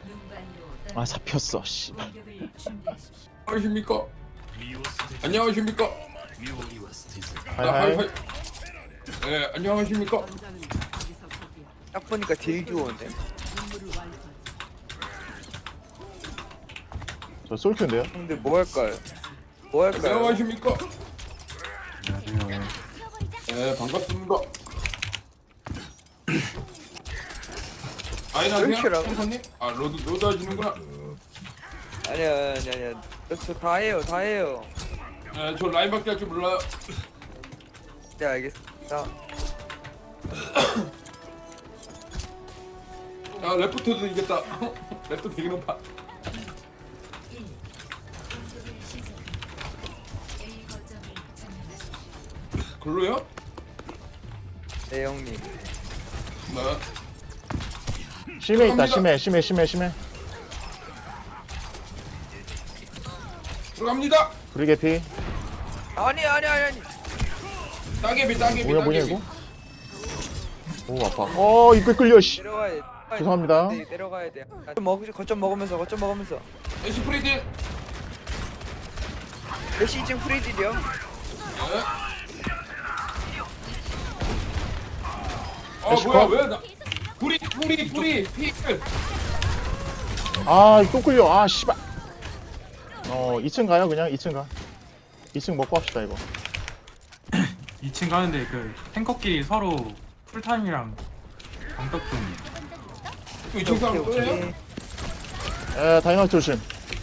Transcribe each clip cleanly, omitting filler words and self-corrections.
아 잡혔어 씨. 안녕하십니까? 안녕하십니까? 하이하이. 네, 안녕하십니까? 딱 보니까 딜 좋은데. 저 솔큐인데요? 근데 뭐 할까요? 뭐 할까요? 안녕하십니까? 안녕하세요. 네, 반갑습니다. 아이나세요? 왜 선생님? 아, 로드 하시는구나. 아니야. 저 다 해요, 다 해요. 네, 저 라인밖에 할 줄 몰라요. 네, 알겠습니다. 야, 레프트도 이겼다. 레프트 되게 높아. 글로요? 네, 형님. 네. 심해 있다 심해. 들어갑니다. 브리게피. 아니. 따개비. 뭐냐 이거? 오 아파. 입에 끌려 씨. 내려가야 돼. 죄송합니다. 네, 내려가야 돼. 거점 먹으면서. 에시 프리딜. 몇시 지금 프리딜이요? 네. 에시 뭐야 컷. 왜 나? 불이 피클. 또 끌려. 아 씨발. 2층 가요 그냥 2층 가. 2층 먹고 합시다 이거. 2층 가는데 그 탱커끼리 서로 풀타임이랑 방벽 좀 이쪽 사람 또예요? 다이너트 조심.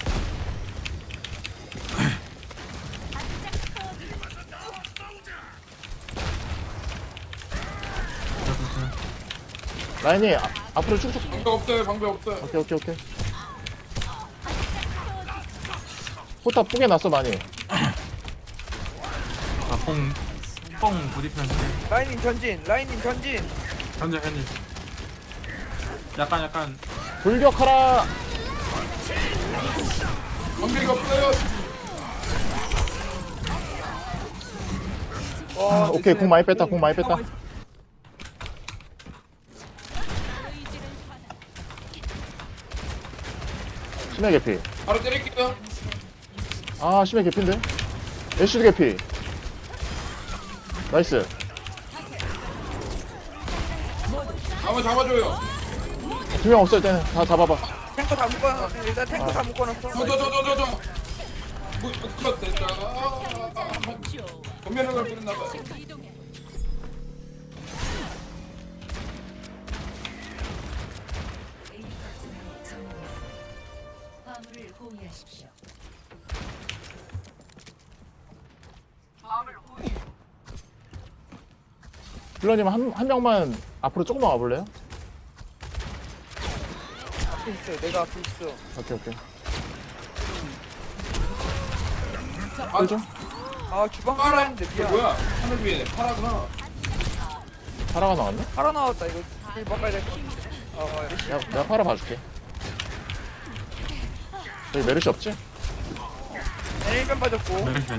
라인이 앞으로 쭉쭉. 방법 없어요. 오케이. 포탑 뿌게 났어 많이. 뽕 부딪히면 돼. 라인님 전진. 현재 약간 돌격하라. 방법이 없어요. 오케이 공 많이 뺐다. 심해 개피. 바로 때릴게요. 심해 개피인데? 애쉬드 개피. 나이스. 한번 잡아줘요. 2명 없을 때는 다 잡아봐. 탱커 다 묶어놨어. 일단 탱커 다 묶어놨어. 저. 컷 됐다. 전면을 걸 뻔했나봐. 화물을 공유하십시오. 블러님 한 명만 앞으로 조금만 와볼래요? 앞에 있어. 내가 앞에 있어. 오케이. 아, 끌죠? 주방 파라. 하려는데 미안. 뭐야? 하늘 위에 파라구나. 파라가 나왔네? 팔아 나왔다. 이거 일 바꿔야 될 것 같아. 내가 파라 봐줄게. 여기 메르시 없지? 네, 1변 빠졌고. 메르시면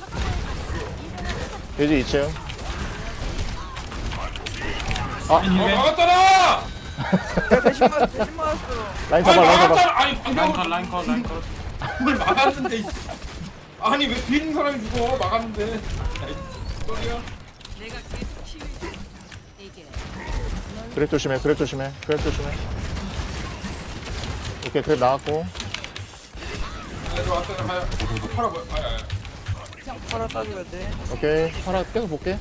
돼지 2층. 막았잖아. 내가 대신 맞았어. 라인 잡아. 막았잖아. 아니 방금 라인컷 뭘 막았는데. 아니 왜 뒤에 있는 사람이 죽어? 막았는데. 소리야. 그랩 조심해. 오케이 그랩 나왔고. 왔어요. 가요. 파라 뭐야? 팔아 따줘야 돼. 오케이 파라 계속 볼게.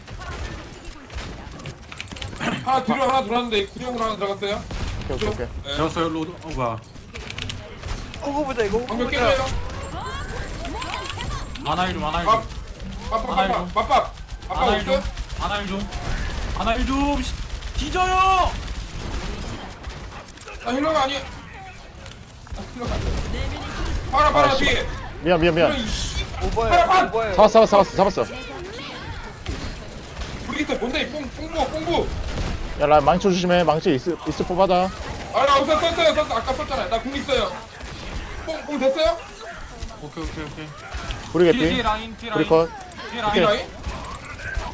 하나 뒤로 하나 들어왔는데 구령으로 하나 들어갔어요. 오케이. 되었어요 로드. 뭐야 호구 보자 이거. 호구 방금 보자. 깨져요. 아나일 좀 밥밥. 아빠 없어요? 아나일 좀 뒤져요. 나 힐러가 아니야. 파라 뒤에. 미안. 오버야. 잡았어. 브리기트 뭔데? 뽕부. 야 라인 망치 조심해. 망치 있을 뽑아다. 나 우선 썼어요. 아까 썼잖아요. 나 궁 있어요. 뽕 됐어요? 오케이 브리 뒤에 개피. 라인 브리컷. 뒤에 이 라인 라인?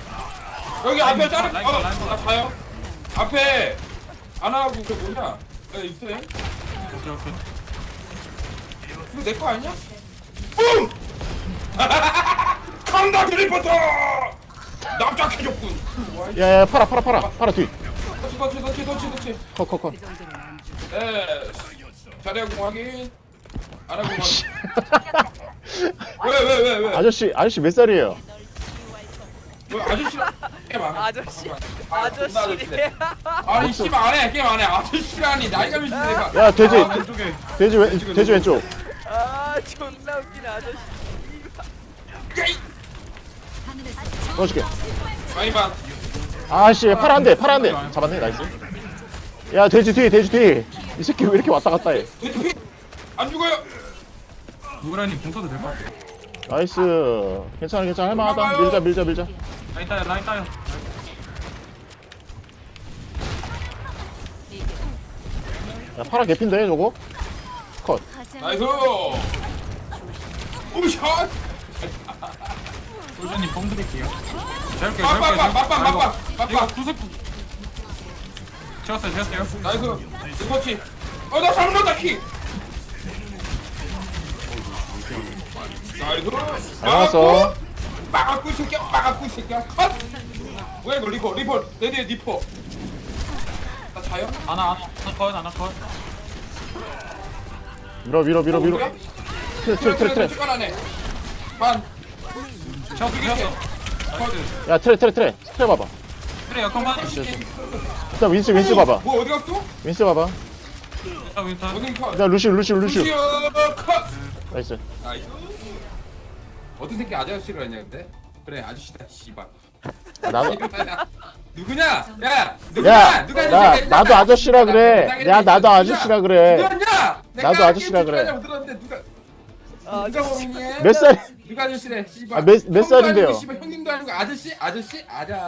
여기 앞에 라인 자르. 라인 나 가요. 앞에 안 하고 그 뭐냐? 네, 있어요. 오케이 오케이. 이거 내 거 아니야? 뿡! 강다 드리버터! 납작해졌군. 야야 팔아 뒤. 터치. 컷. 예. 자리하고 확인. 안 하고 확인. 왜? 아저씨 몇 살이에요? 왜 아저씨랑 게임 안 해? 아저씨. 아저씨. 아저씨. 아니 씨발 안 해. 게임 안 해. 아저씨라니 나이가 몇인데 내가. 야 돼지 왼쪽에. 돼지 왼쪽. 아 존나 웃기네 아저씨. 넣어줄게. 많이 봐. 아씨 팔아 안 돼. 잡았네 나이스. 야 돼지 뒤. 이 새끼 왜 이렇게 왔다 갔다 해? 안 죽어요. 누구라님 공 써도 될 것 같아. 나이스. 괜찮아 할만하다. 밀자. 라인 따요. 야 파라 개핀데 저거. 컷. 나이스. 오샷. 솔저님 공 드릴게요. 재울게요. 빡빡. 이거 구석. 채웠어요. 나이스. 터치. 나 잘못했다 키. 나이스. 알았어. 막았고 이 새끼야. 컷. 뭐야 이거 리퍼. 내 뒤에 리퍼. 나 자요? 하나 컷. 밀어. 트레. 시간하네. 반. 채웠어. 나이스. 야 트레 봐봐. 그래 역할만. 일단 윈스 봐봐. 뭐 어디 갔어? 윈스 봐봐. 윈터. 어디 컷. 일단 루시우. 컷. 나이스. 나이스. 어떤 새끼 아저씨를 했냐 근데? 그래 아저씨다 씨발. 나도 누구냐? 야 야, 누가 나도 아저씨라 그래. 나도 아저씨라 그래. 누구냐? 나도 아저씨라 그래. 들었는데 누가 모르니? 몇 살? 누가 아저씨래? 씨발. 아, 몇 형도 살인데요? 아니고, 씨발 형님도 아니고 아저씨? 아저씨?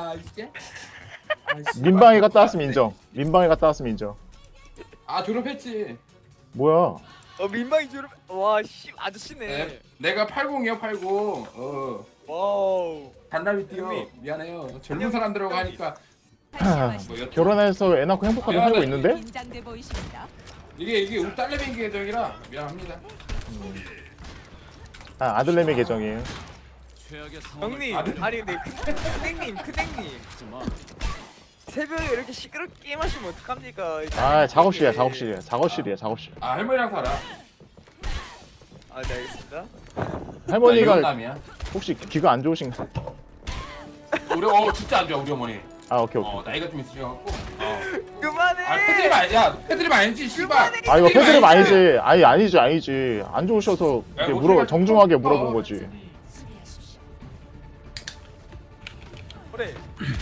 민방위 갔다 왔으면 인정. 아 졸업했지. 뭐야? 민망이 졸업. 와씨 아저씨네. 네. 내가 80이요 80. 와우. 단답이 뛰어. 형님. 미안해요. 젊은 사람들하고 하니까 뭐 여튼 결혼해서 애 낳고 행복하게 살고 있는데? 긴장돼 보이십니다. 이게 우리 딸내미 계정이라 미안합니다. 아, 아들내미 계정이에요. 형님. 아들. 아니 근데 크댕님. 새벽에 이렇게 시끄럽게 게임하시면 어떡합니까? 아, 작업실. 아 할머니랑 살아. 아, 네 알겠습니다. 할머니가 남이야. 혹시 귀가 안 좋으신가? 우리 진짜 안 좋아 우리 어머니. 아, 오케이. 나이가 좀 있으셔갖고. 그만해. 아 패드립 아니야. 패드립 아니지 씨발. 아, 이거 패드립 아니지. 아니지. 안 좋으셔서 야, 이렇게 목소리가 정중하게 좀 물어본 커. 거지. 그래.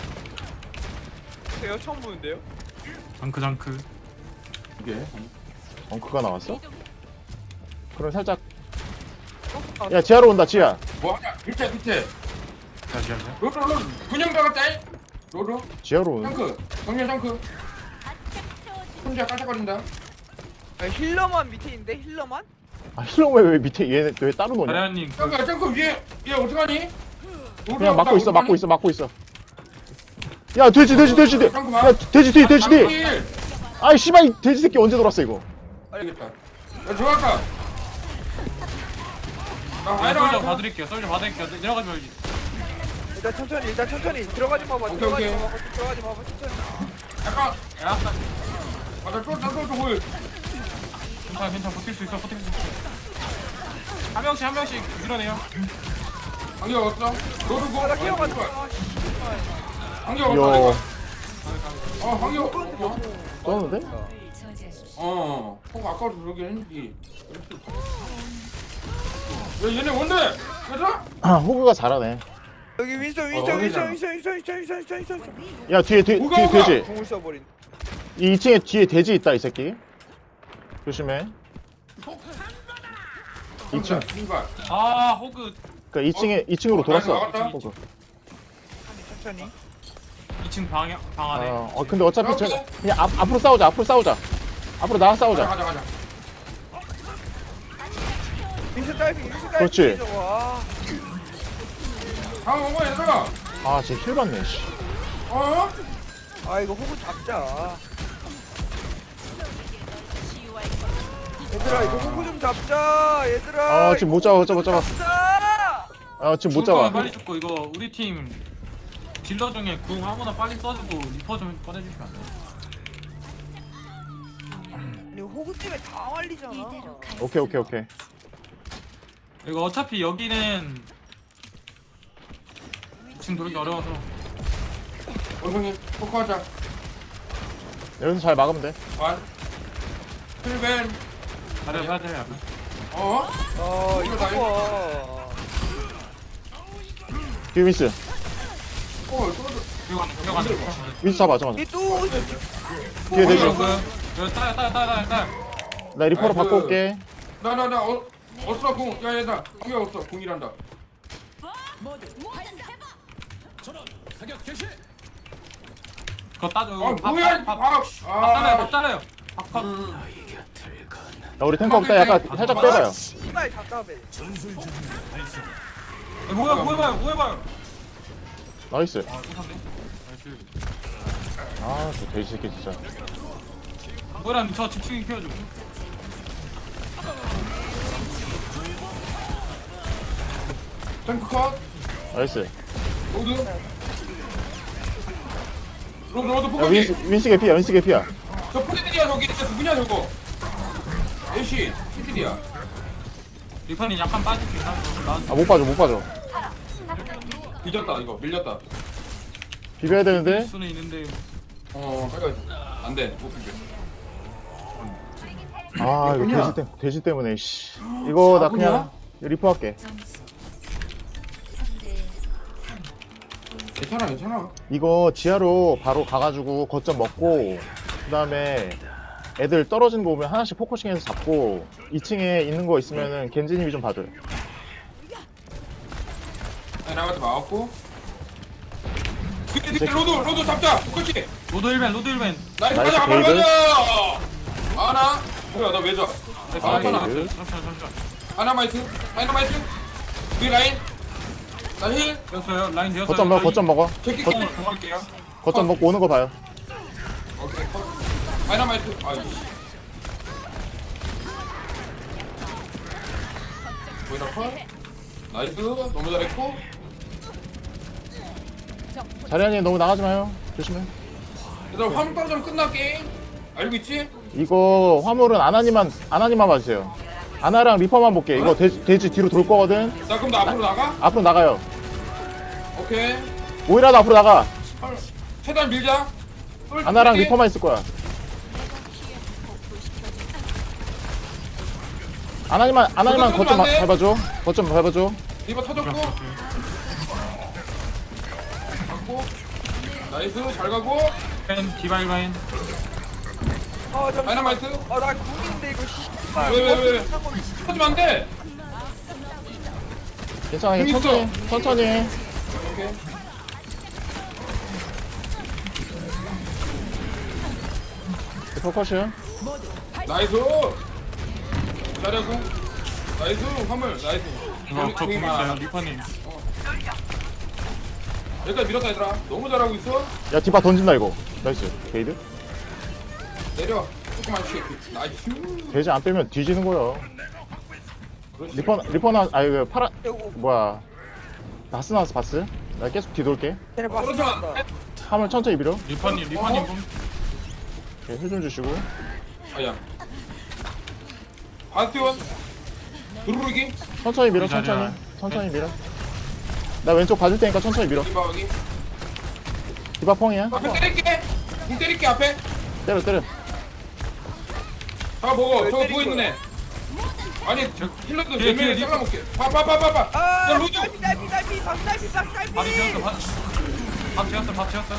제가 처음 보는데요? 장크. 이게. 엉크가 나왔어? 그럼 살짝. 아, 야, 지하로 온다, 지하. 뭐하냐? 밑에. 다시. 로로 군형 박았다. 로로. 지하로 오는. 탱크. 정면 탱크. 혼자 깔짝거린다. 아, 힐러만 밑에 있는데 힐러만? 아, 힐러 왜 밑에 얘 왜 따로 노냐? 다리아님 탱크 위에 얘 어떡하니? 그냥 막고 있어. 야, 돼지. 야, 돼지 뒤. 일. 아이, 씨발, 이 돼지 새끼 언제 돌았어, 이거? 알겠다. 야 들어갈까? 솔저 봐드릴게요. 내려가지 말기. 일단 천천히 들어가지 마봐. 오케이, 들어가지 오케이. 마봐. 천천히. 약간. 야, 나 또 보여. 괜찮아. 버틸 수 있어. 한 명씩 밀어내요. 안경 없어? 로로 나 끼어가지 마. 안경 없어. 요, 내가. 안경 없어. 떴는데? 저지하십시오. 아까도 그러긴 했는데. 야 얘네 뭔데? 얘들아? 아, 호그가 잘하네. 여기 윈서. 야, 뒤에 돼지. 공을 써버린. 이 2층에 뒤에 돼지 있다, 이 새끼. 조심해. 2층. 신발. 아 호그 그니까 2층으로 돌았어. 나갔다. 호그. 천천히. 2층 방 안에. 근데 어차피 그냥 앞으로 싸우자. 앞으로 나가 싸우자. 가자. 윈서 다이빙. 그렇지. 와. 온 거야 얘들아. 아, 쟤 힐 받네, 씨. 어? 아 이거 호구 잡자. 얘들아 이거 호구 좀 잡자 얘들아. 아, 지금 못 잡아, 못 잡아, 못 잡아. 잡자. 아, 지금 못 죽을 거면 잡아. 빨리 죽고 이거 우리 팀 딜러 중에 궁 아무나 빨리 써주고 리퍼 좀 꺼내주시면 안 돼? 아니 호구 때문에 다 말리잖아. 오케이, 오케이, 오케이. 이거 어차피 여기는 지금 돌기 어려워서 원숭이 포커하자. 여기서 잘 막으면 돼. 원. 힐벤. 잘해 해야 돼. 어? 이거 봐. 뒤에 윈스. 떨어져. 이거 안 돼. 윈스 잡아, 잡아. 얘또 뒤에 대지. 이거 따라. 나 리퍼로 아이고. 바꿔 올게. 어스라 궁. 야, 얘들아. 궁이 없어. 궁이란다. 그거 따줘. 아, 뭐야? 밥 따라요. 밥. 야, 우리 탱커 없다. 약간 살짝 빼봐요. 씨발 답답해. 뭐해봐요. 나이스. 아, 똑같네. 나이스. 아, 저 돼지 새끼 진짜. 뭐란 저 집중이 키워줘. 탱크 컷. 나이스. 로드. 로드 야, 포커기. 윈스 개피야, 윈스 개피야. 저 포지들이야 저기. 진짜 누구냐 저거. 애쉬. 피디야. 리펀이 약간 빠질 수 있나? 아, 못 빠져, 못 빠져. 밀렸다 이거. 밀렸다. 비벼야 되는데. 수는 있는데 빨리 안 돼. 못 비벼. 아, 이거 돼지 때문에, 씨. 이거 나 그냥 리퍼 할게. 점수 3대 3. 괜찮아. 이거 지하로 바로 가가지고 거점 먹고, 그 다음에 애들 떨어지는 거 보면 하나씩 포커싱해서 잡고, 2층에 있는 거 있으면은 겐지님이 좀 봐줘요. 나한테 막았고. 그때 로드 잡자. 그렇지. 로드 1벤 나이스 나이스, 가자. 게이드. 가자. 하나. 뭐야 나 왜 져? 아, 잠깐만. 잠시만 다이너마이트. 위 라인. 나 힐. 되었어요. 라인 되었어요. 거점 먹어, 거점 먹어. 제끼 거점 들어갈게요. 거점 먹고 오는 거 봐요. 오케이 컷. 다이너마이트. 아이씨. 보이나 컷. 나이스. 너무 잘했고. 자리아님 너무 나가지 마요. 조심해. 얘들아 화물 떨어지면 끝나 게임. 알고 있지? 이거 화물은 아나님만 봐주세요. 아나랑 리퍼만 볼게. 이거 돼지 뒤로 돌 거거든. 나 그럼 나 앞으로 나가? 앞으로 나가요. 오케이. 오히려 앞으로 나가. 최대한 밀자. 아나랑 리퍼만 있을 거야. 아나님만 거점 안 돼. 밟아줘. 거점 밟아줘. 리버 터졌고. 갖고. 나이스 잘 가고. 벤 디바이바인. 잠시만. 다이너마이트. 나 궁인데 이거 씨발. 왜? 터지면 안 돼. 괜찮아. 여기 있어. 천천히. 오케이. 리퍼 컷이야. 나이스. 잘하고. 나이스 화물 나이스. 이거 저 궁있어요. 리퍼님. 여기까지 밀었다 얘들아. 너무 잘하고 있어. 야 디바 던진다 이거. 나이스. 게이드. 내려. 조금만 쉬게. 나이스. 돼지 안 빼면 뒤지는 거야. 그렇지. 리퍼나 그 파란 이거 뭐야. 바스 나왔어 바스. 나 계속 뒤돌게. 쟤네 봤어. 떨어져. 화물 천천히 밀어. 리퍼님 좀. 오케이, 힐좀 주시고. 아야. 바스티온. 두루루기. 천천히 밀어. 이 자리야. 천천히 밀어. 나 왼쪽 봐줄 테니까 천천히 밀어. 리바하기. 디바 펑이야. 앞에 때릴게. 궁 때릴게 앞에. 때려. 다 먹어. 저거 누워 있는 애. 아니 힐러도 뒤에, 몇 명이 뒤에 잘라먹게. 봐봐. 야 로드. 달비 박달비. 밥이 지었어. 밥 지었어.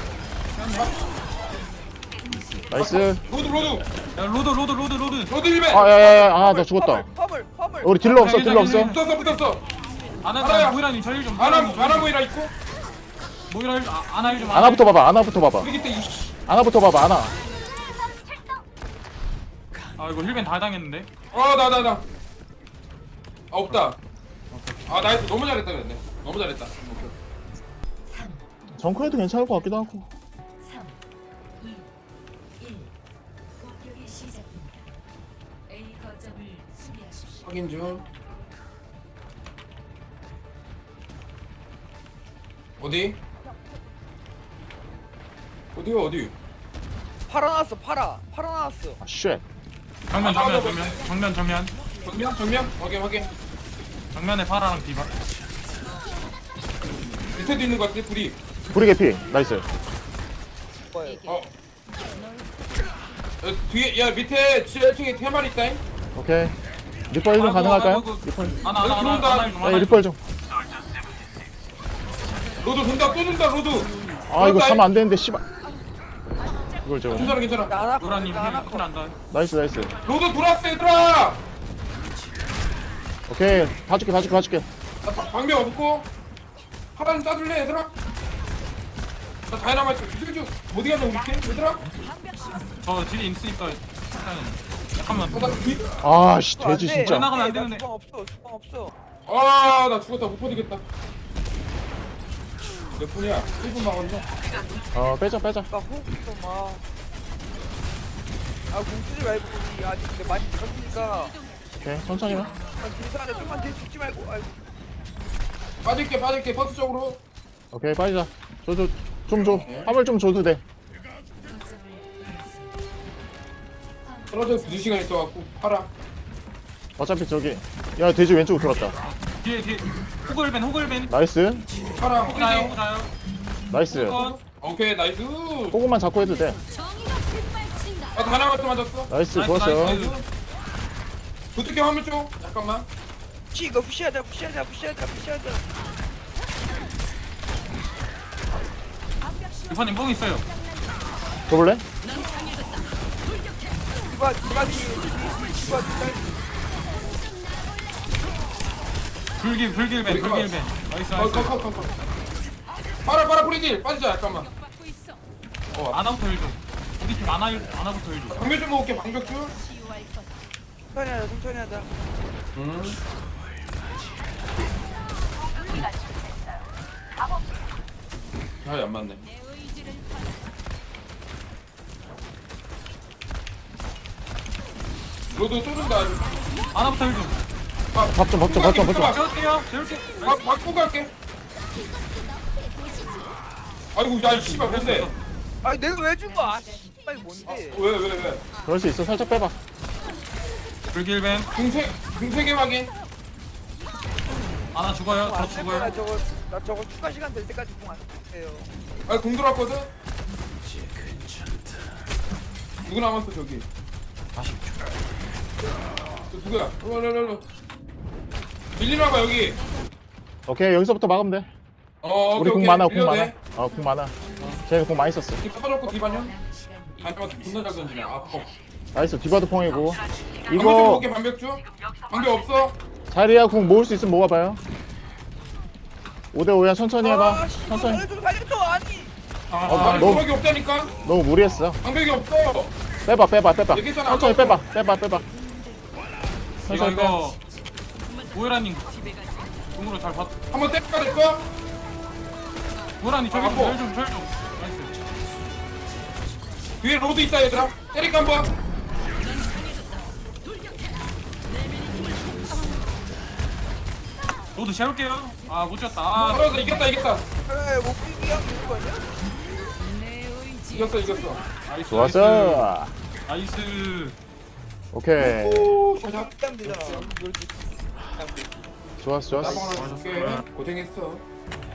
나이스. 로드. 야 로드. 로드 1배. 아야야야. 아 나 죽었다. 화물. 우리 딜러 없어. 붙었어. 아나 알아요. 모이라님 저희 좀. 아나 모이라 있고. 모이라 아나 좀. 아나부터 봐봐. 우리 그때 이씨. 아나부터 봐봐. 아나. 아 이거 힐벤 다 당했는데. 나. 없다. 나이스. 너무 잘했다 근데. 너무 잘했다. 오케이. 정크해도 괜찮을 것 같기도 하고. 3, 2, 1. 공격이 시작됩니다. A 거점을 확인 중. 어디? 어디요 어디? 팔아 나왔어 팔아 나왔어. 아 쉣. 정면 정면. 정면 확인. 정면에 파라랑 디바. 밑에도 있는 것 같아 불이. 브리 개피. 나이스. 뭐예요? 뒤에 야 밑에 7층에 테마리 있다잉. 오케이. 리퍼 1좀 가능할까요? 리퍼. 들어온다. 네, 리퍼 좀. 로드 돈다 또 돈다 로드. 아 이거 사면 안 되는데 씨발. 이걸 저. 괜찮아. 나나 노라님 나나 힐 난다. 나이스. 로드 돌았어 얘들아. 오케이. 봐줄게. 나 방벽 없고 하나는 따줄래 얘들아? 나 다이너마이트 기술 좀 어디 가냐 우리 팀 얘들아? 저 딜이 있으니까 일단은 잠깐만. 아씨 돼지 진짜. 나가면 안 되는데. 주방 없어. 아나 죽었다 못 버티겠다. 몇 분이야? 1분 남았네. 빼자. 나 호흡 좀 마. 아 공쓰지 말고 우리 아직 근데 많이 졌으니까 오케이. 천천히 가. 딜사하자 좀만 딜 죽지 말고. 아이고. 빠질게 버스 쪽으로. 오케이 빠지자. 좀 줘. 화물 좀 줘도 돼. 떨어져서 2시간 있어갖고 팔아. 어차피 저기. 야 돼지 왼쪽으로 돌았다. 뒤에 호글벤. 나이스. 팔아 호자요. 호기지. 나이스. 컷. 오케이 나이스. 조금만 잡고 해도 돼. 아 다이너마이트 맞았어. 나이스. 좋았어요. 나이스. 부탁해 화물 쪽. 잠깐만. 치 이거 푸시하자. 리퍼님 뽕 있어요. 줘볼래? 디바 불길벤. 나이스. 컷. 팔아 프리딜 빠지자 잠깐만. 아나부터 힐 좀. 우리 팀 아나부터 힐 좀. 방벽 좀 먹을게 방벽 좀. 천천히 하자. 아안 맞네. 로드 쏘는다. 아나부터 힐 좀. 밥 좀. 재울게요. 바꾸고 갈게. 아이고 야 씨발 뭔데? 아 내가 왜 준 거야? 빨리 뭔데? 왜? 그럴 수 있어. 살짝 빼봐. 불길벤. 궁세계 확인. 아나 죽어요. 저 나 죽어요. 저거 추가 시간 될 때까지 공안 해요. 아궁 들어왔거든. 누구 남았어 저기? 저 누구야? 일로. 밀리나봐 여기. 오케이 여기서부터 막으면 돼. 우리 오케이, 공 많아. 밀려도 돼. 공 많아. 쟤는 공 많이 썼어. 이 퍼졌고 디바냐? 반대만 존나 잘 던지네. 나이스. 디바도 펑이고. 방벽 좀 이거 먹게 방벽 좀. 방벽 없어? 자리야 공 모을 수 있으면 모아봐요. 5대5야. 천천히 해봐. 천천히. 살려줘 아니. 아니 너무- 방벽이 없다니까. 너무 무리했어. 방벽이 없어. 빼봐. 얘기했잖아, 천천히 아까. 빼봐. 천천히 빼. 이거 오해라님 공으로 잘 봤. 한번 때릴까 될까? 오해라님 저기 아파. 절 좀. 나이스. 뒤에 로드 있다 얘들아. 때릴까 한번. 로드 재울게요. 못 졌다. 떨어져 이겼다. 그래 목숨이 형 되는 거 아니야? 이겼어. 나이스. 좋았어. 나이스. 오케이. 오, 샤샥. 땀 되잖아. 좋았어. 나방 하나 줄게. 고생했어.